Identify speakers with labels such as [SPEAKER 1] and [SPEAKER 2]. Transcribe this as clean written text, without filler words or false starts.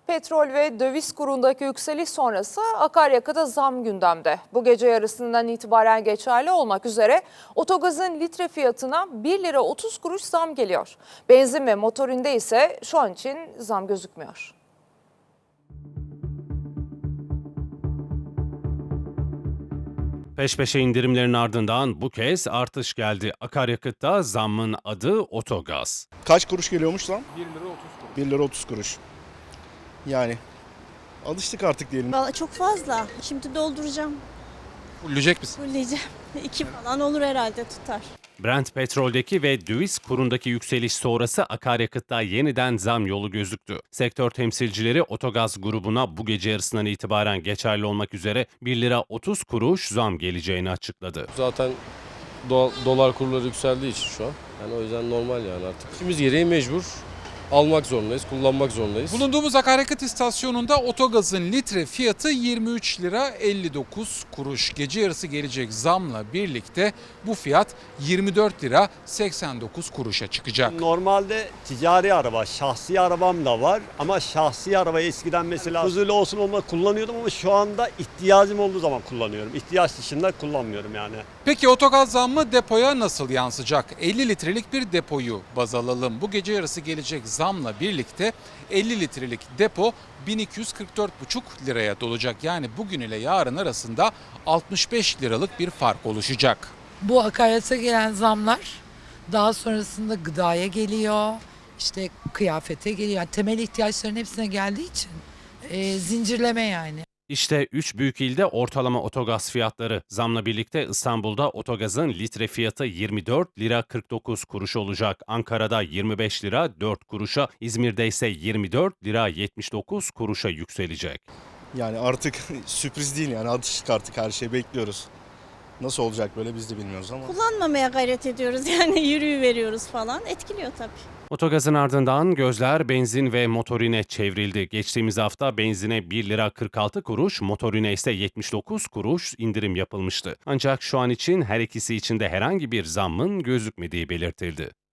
[SPEAKER 1] Petrol ve döviz kurundaki yükseliş sonrası akaryakıta zam gündemde. Bu gece yarısından itibaren geçerli olmak üzere otogazın litre fiyatına 1 lira 30 kuruş zam geliyor. Benzin ve motorinde ise şu an için zam gözükmüyor.
[SPEAKER 2] Peş peşe indirimlerin ardından bu kez artış geldi. Akaryakıtta zammın adı Otogaz.
[SPEAKER 3] Kaç kuruş geliyormuş lan?
[SPEAKER 4] 1 lira 30 kuruş.
[SPEAKER 3] 1 lira 30 kuruş. Yani alıştık artık diyelim.
[SPEAKER 5] Vallahi çok fazla. Şimdi dolduracağım.
[SPEAKER 4] Fulleyecek misin?
[SPEAKER 5] Fulleyeceğim. 2 falan olur herhalde tutar.
[SPEAKER 2] Brent petroldeki ve döviz kurundaki yükseliş sonrası akaryakıtta yeniden zam yolu gözüktü. Sektör temsilcileri Otogaz grubuna bu gece yarısından itibaren geçerli olmak üzere 1 lira 30 kuruş zam geleceğini açıkladı.
[SPEAKER 6] Zaten dolar kurları yükseldiği için şu an. Yani o yüzden normal yani artık. İşimiz gereği mecbur almak zorundayız, kullanmak zorundayız.
[SPEAKER 4] Bulunduğumuz akaryakıt istasyonunda otogazın litre fiyatı 23 lira 59 kuruş. Gece yarısı gelecek zamla birlikte bu fiyat 24 lira 89 kuruşa çıkacak.
[SPEAKER 7] Normalde ticari araba, şahsi arabam da var ama şahsi arabayı eskiden mesela huzurlu olsun olma kullanıyordum ama şu anda ihtiyacım olduğu zaman kullanıyorum. İhtiyaç dışında kullanmıyorum yani.
[SPEAKER 4] Peki otogaz zammı depoya nasıl yansıyacak? 50 litrelik bir depoyu baz alalım. Bu gece yarısı gelecek zamla birlikte 50 litrelik depo 1244,5 liraya dolacak. Yani bugün ile yarın arasında 65 liralık bir fark oluşacak.
[SPEAKER 8] Bu akaryakıta gelen zamlar daha sonrasında gıdaya geliyor, işte kıyafete geliyor. Yani temel ihtiyaçların hepsine geldiği için zincirleme yani.
[SPEAKER 2] İşte 3 büyük ilde ortalama otogaz fiyatları. Zamla birlikte İstanbul'da otogazın litre fiyatı 24 lira 49 kuruş olacak. Ankara'da 25 lira 4 kuruşa, İzmir'de ise 24 lira 79 kuruşa yükselecek.
[SPEAKER 3] Yani artık sürpriz değil yani alıştık artık her şeyi bekliyoruz. Nasıl olacak böyle biz de bilmiyoruz ama.
[SPEAKER 5] Kullanmamaya gayret ediyoruz yani yürüyüveriyoruz falan. Etkiliyor tabii.
[SPEAKER 2] Otogazın ardından gözler benzin ve motorine çevrildi. Geçtiğimiz hafta benzine 1 lira 46 kuruş, motorine ise 79 kuruş indirim yapılmıştı. Ancak şu an için her ikisi için de herhangi bir zammın gözükmediği belirtildi.